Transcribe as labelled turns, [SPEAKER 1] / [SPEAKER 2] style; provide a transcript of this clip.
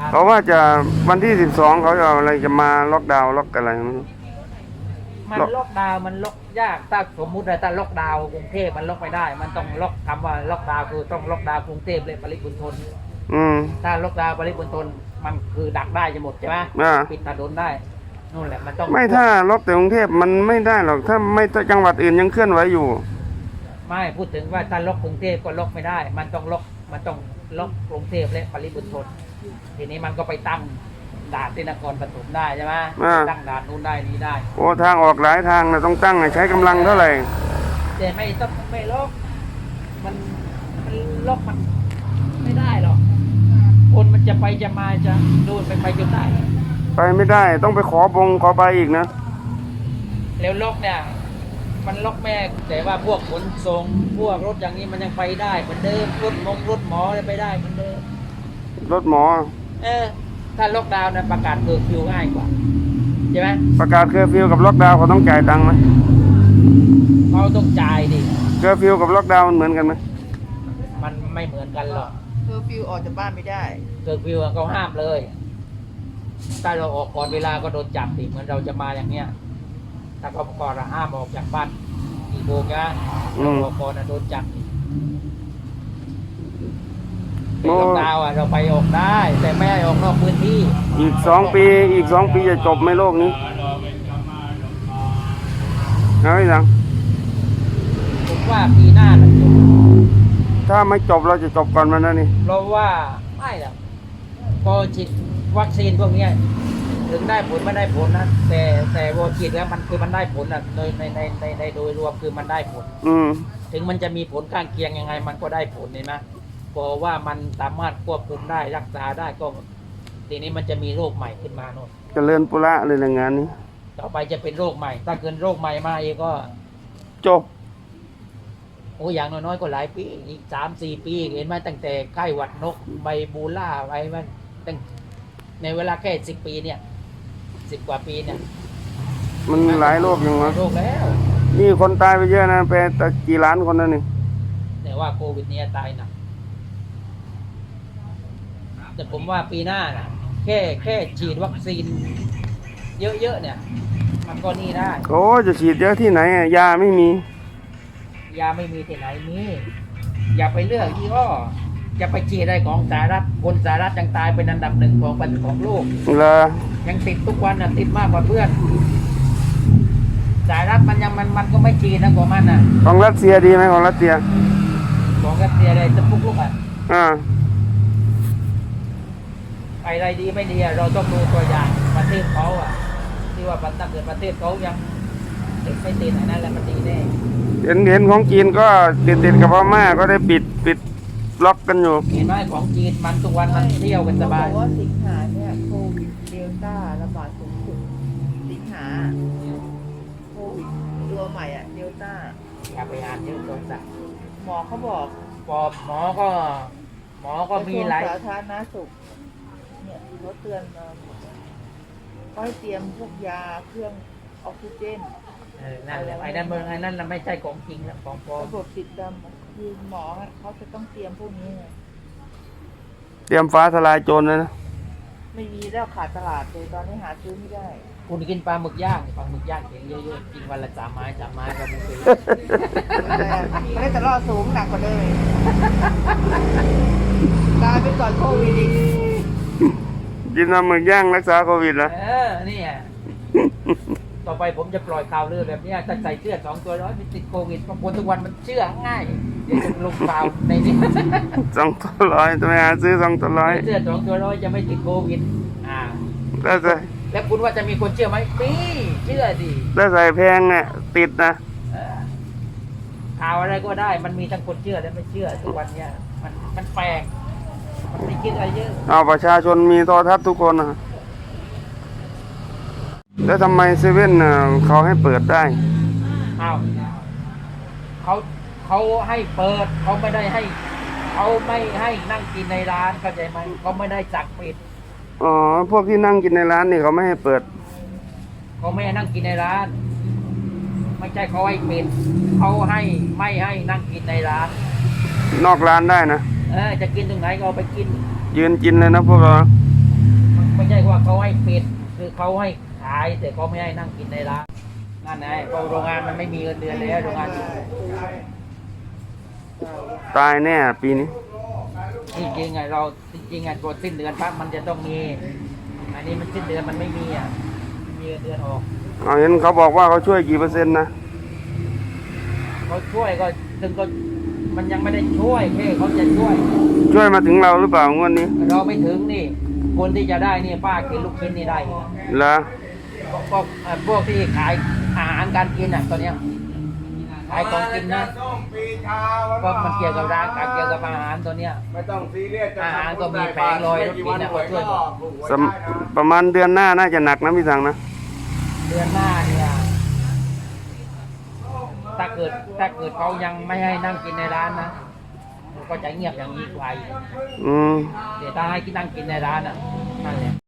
[SPEAKER 1] เขาว่าจะวันที่12เขาจะเอาอะไรจะมาล็อกดาวน์ล็อกอะไรไม่รู้
[SPEAKER 2] มันล็อกดาวน์มันล็อกยากถ้าสมมุติว่าถ้าล็อกดาวน์กรุงเทพมันล็อกไม่ได้มันต้องล็อกคำว่าล็อกดาวน์คือต้องล็อกดาวน์กรุงเทพและปริมณฑลถ้าล็อกดาวน์ปริมณฑลมันคือดักได้จะหมดใช่ไหมปิดถนนได้นู่นแหละมันต้อง
[SPEAKER 1] ไม่ถ้าล็อกแต่กรุงเทพมันไม่ได้หรอกถ้าไม่จังหวัดอื่นยังเคลื่อนไหวอยู่
[SPEAKER 2] ไม่พูดถึงว่าถ้าล็อกกรุงเทพก็ล็อกไม่ได้มันต้องล็อกกรุงเทพและปริมณฑลทีนี้มันก็ไปตั้งด่านที่นครปฐมได้ใช่ไหมตั้งด่านนู้นได้นี้ได้
[SPEAKER 1] โอ้ทางออกหลายทางนะต้องตั้งใช้กำลังเท่าไหร่
[SPEAKER 2] แต่ไม่ต้องไม่ล็อกมันล็อกมันไม่ได้หรอกคนมันจะไปจะมาจะดูนไปจนได้
[SPEAKER 1] ไปไม่ได้ต้องไปขอไปอีกนะ
[SPEAKER 2] แล้วล็อกเนี่ยมันล็อกแม่แต่ว่าพวกขนส่งพวกรถอย่างนี้มันยังไปได้เหมือนเดิมรถหมอไปได้เหมือนเดิม
[SPEAKER 1] รถหมอ
[SPEAKER 2] ถ้าล็อกดาวน์เนี่ยประกาศเคอร์ฟิวง่ายกว่าใช่ไหม
[SPEAKER 1] ประกาศเคอร์ฟิวกับล็อกดาวน์เขาต้องจ่ายตังค์ไหม
[SPEAKER 2] เขาต้องจ่ายดิ
[SPEAKER 1] เคอร์ฟิวกับล็อกดาวน์เหมือนกันไหม
[SPEAKER 2] มันไม่เหมือนกันหรอก
[SPEAKER 3] เคอร์ฟิวออกจากบ้านไม่ได้
[SPEAKER 2] เคอร์ฟิวเขาห้ามเลยถ้าเราออกก่อนเวลาก็โดนจับดิเหมือนเราจะมาอย่างเนี้ยถ้าเขาก่อนห้ามออกจากบ้านกี่โมงนะเราออกก่อนโดนจับล็อกดาวน์เราไปออกได้แต่ไม่ให้ออกนอกพื้นที่
[SPEAKER 1] อีก2 ปีจะจบไหมโลกนี้เอาไยัง
[SPEAKER 2] ผมว่าปีหน้าจะจบ
[SPEAKER 1] ถ้าไม่จบเราจะจบก่อนมันนะนี่
[SPEAKER 2] เพราะว่าไม่หรอกพอฉีดวัคซีนพวกนี้ถึงได้ผลไม่ได้ผลนะแต่พอฉีดแล้วมันคือมันได้ผลนะโดยในโดยรวมคือมันได้ผลถึงมันจะมีผลข้างเคียงยังไงมันก็ได้ผลเห็นไหมเพราะว่ามันสามารถควบคุมได้รักษาได้ก็ทีนี้มันจะมีโรคใหม่ขึ้นมาโน่น
[SPEAKER 1] เจริญปุระเลยในงานนี้
[SPEAKER 2] ต่อไปจะเป็นโรคใหม่ถ้าเกินโรคใหม่มาเองก็
[SPEAKER 1] จบ
[SPEAKER 2] โอ้อย่างน้อยๆก็หลายปีอีก3-4 ปีเห็นไหมตั้งแต่ไข้หวัดนกไบบูล่าอะไรมันตั้งในเวลาแค่10 ปีเนี่ย10 กว่าปีเนี่ย
[SPEAKER 1] มันหลายโรคอย่างนั้น
[SPEAKER 2] โรคแล้ว
[SPEAKER 1] นี่คนตายไปเยอะนะไปแต่กี่ล้านคนนั่นนี่
[SPEAKER 2] แต่ว่าโควิดเนี่ยตายหนักแต่ผมว่าปีหน้านะแค่ฉีดวัคซีนเยอะๆเนี่ยมันก็นี่ได้
[SPEAKER 1] โอ้จะฉีดเยอะที่ไหนยาไม่มี
[SPEAKER 2] ที่ไหนมีอย่าไปเลือกยี่ห้อจะไปฉีดอะไรของสหรัฐคนสหรัฐยังตายเป็นอันดับ1ของโลกยังติดทุกวันน่ะติดมากกว่าเพื่อนสหรัฐมันก็ไม่ฉีดนะกว่ามันน่ะ
[SPEAKER 1] ของรัสเซียดีไหมของรัสเซีย
[SPEAKER 2] อะไรจะพุกลูกอะไรดีไม่ดีเราต้องดูตัวอย่างประเทศเขาที่ว่าถ้าเกิดประเทศเขายังติดไม่ติดนั่นแหละมันดีแน่
[SPEAKER 1] เห็นของจีนก็ติดกับพม่าก็ได้ปิดล็อกกันอยู่
[SPEAKER 2] เห็นไหมของจีนมันทุกวันมันเที่ยวกันสบาย
[SPEAKER 3] ว่าสิงหาเนี่ยโควิดเดลต้าระบาดสูงสุดสิงหาโควิดตัวใหม่เดลต้า
[SPEAKER 2] อย่าไปอ่านเยอะตรงสัก
[SPEAKER 3] หมอเขาบอก
[SPEAKER 2] หมอก็มีหลาย
[SPEAKER 3] สาธารณสุขเนี่ยเขาเตือนมาก็ให้เตรียมพวกยาเครื่องออกซิเจน
[SPEAKER 2] นั่นแหละไอ้นั่นเราไม่ใช่ของจริงนะของปลอม
[SPEAKER 3] ระบบติดดำคือหมอเขาจะต้องเตรียมพวกนี้
[SPEAKER 1] เตรียมฟ้าทลายโจรเลยนะ
[SPEAKER 3] ไม่มีแล้วขาดตลาดเลยตอนนี้หาซื้อไม่ได้
[SPEAKER 2] คุณกินปลาหมึกย่างเห็นเยอะๆกินวันละ3 ไม้ก็บุฟเฟ่
[SPEAKER 3] ไม่ได้จะล่อสูงหนักกว่าเลยตายไปก่อนโควิดอีก
[SPEAKER 1] กินปลาหมึกย่างรักษาโควิดนะ
[SPEAKER 2] นี่ต่อไปผมจะปล่อยข่าวเรื่องแบบนี้ถ้าใส่เสื้อ2 ตัวร้อยมันติดโควิดบางคนทุกวันมันเชื่อง่ายเดี๋ยวจะลงข่าวในนี้
[SPEAKER 1] 2 ตัวร้อยจะไปหาซื้อ2 ตัวร้อย
[SPEAKER 2] เสื้อ2 ตัวร้อยจะไม่ติดโควิด
[SPEAKER 1] แล้ว
[SPEAKER 2] คุณว่าจะมีคนเชื่อไหมมีเชื่อดิ
[SPEAKER 1] แล้วใส่แพงเนี่ยติดนะ
[SPEAKER 2] ข่าวอะไรก็ได้มันมีทั้งคนเชื่อและไม่เชื่อทุกวันเนี้ยมันแปลกมันไม่คิดอะไรเยอะ
[SPEAKER 1] เอาประชาชนมีโทรทัศน์ทุกคนนะแล้วทำไมเซเว่นเขาให้เปิดได้
[SPEAKER 2] เขาให้เปิดเขาไม่ได้ให้เขาไม่ให้นั่งกินในร้านเข้าใจไหมเขาไม่ได้สั่งปิด
[SPEAKER 1] พวกที่นั่งกินในร้านนี่เขาไม่ให้เปิด
[SPEAKER 2] เขาไม่ให้นั่งกินในร้านไม่ใช่เขาให้ปิดเขาให้ไม่ให้นั่งกินในร้าน
[SPEAKER 1] นอกร้านได้นะ
[SPEAKER 2] จะกินตรงไหนก็เอาไปกิน
[SPEAKER 1] ยืนกินเลยนะพวกเรา
[SPEAKER 2] ไม่ใช่ว่าเขาให้ปิดคือเขาให้ขายแต่เขาไม่ให้นั่งกินในร้านนั่นไงเพราะโรงงานมันไม่มีเงินเดือนแล้วโรงงานอยู่
[SPEAKER 1] ตายแน่ปีนี้
[SPEAKER 2] จริงๆไงเราจริงๆไงกดสิ้นเดือนปั๊บมันจะต้องมี อันนี้มันสิ้นเดือนมันไม่มีอ่ะไม่มีเงินเดือนออก
[SPEAKER 1] เอาเห็นเขาบอกว่าเขาช่วยกี่เปอร์เซ็นต์นะ
[SPEAKER 2] เขาช่วยก็ถึงก็มันยังไม่ได้ช่วยแค่เขาจะช่วย
[SPEAKER 1] ช่วยมาถึงเราหรือเปล่างวดนี้
[SPEAKER 2] เราไม่ถึงนี่ คนที่จะได้นี่ป้ากินลูกชิ้นนี่ได้
[SPEAKER 1] เหรอ
[SPEAKER 2] พวกที่ขายอาหารการกินอ่ะตอนเนี้ยขายของกินนะก็มันเกี่ยวกับร้านเกี่ยวกับอาหารตัวเนี้ย
[SPEAKER 4] ไม่ต้องซีเรียส
[SPEAKER 2] อาหารก็มีแผงลอยรถกินนะก็ช่วยหมด
[SPEAKER 1] ประมาณเดือนหน้าน่าจะหนักนะพี่สังนะ
[SPEAKER 2] เดือนหน้าเนี่ยถ้าเกิดเขายังไม่ให้นั่งกินในร้านนะก็จะเงียบอย่างนี้ไป
[SPEAKER 1] อืม
[SPEAKER 2] เดี๋ยวถ้าให้นั่งกินในร้านอ่ะนั่นแหละ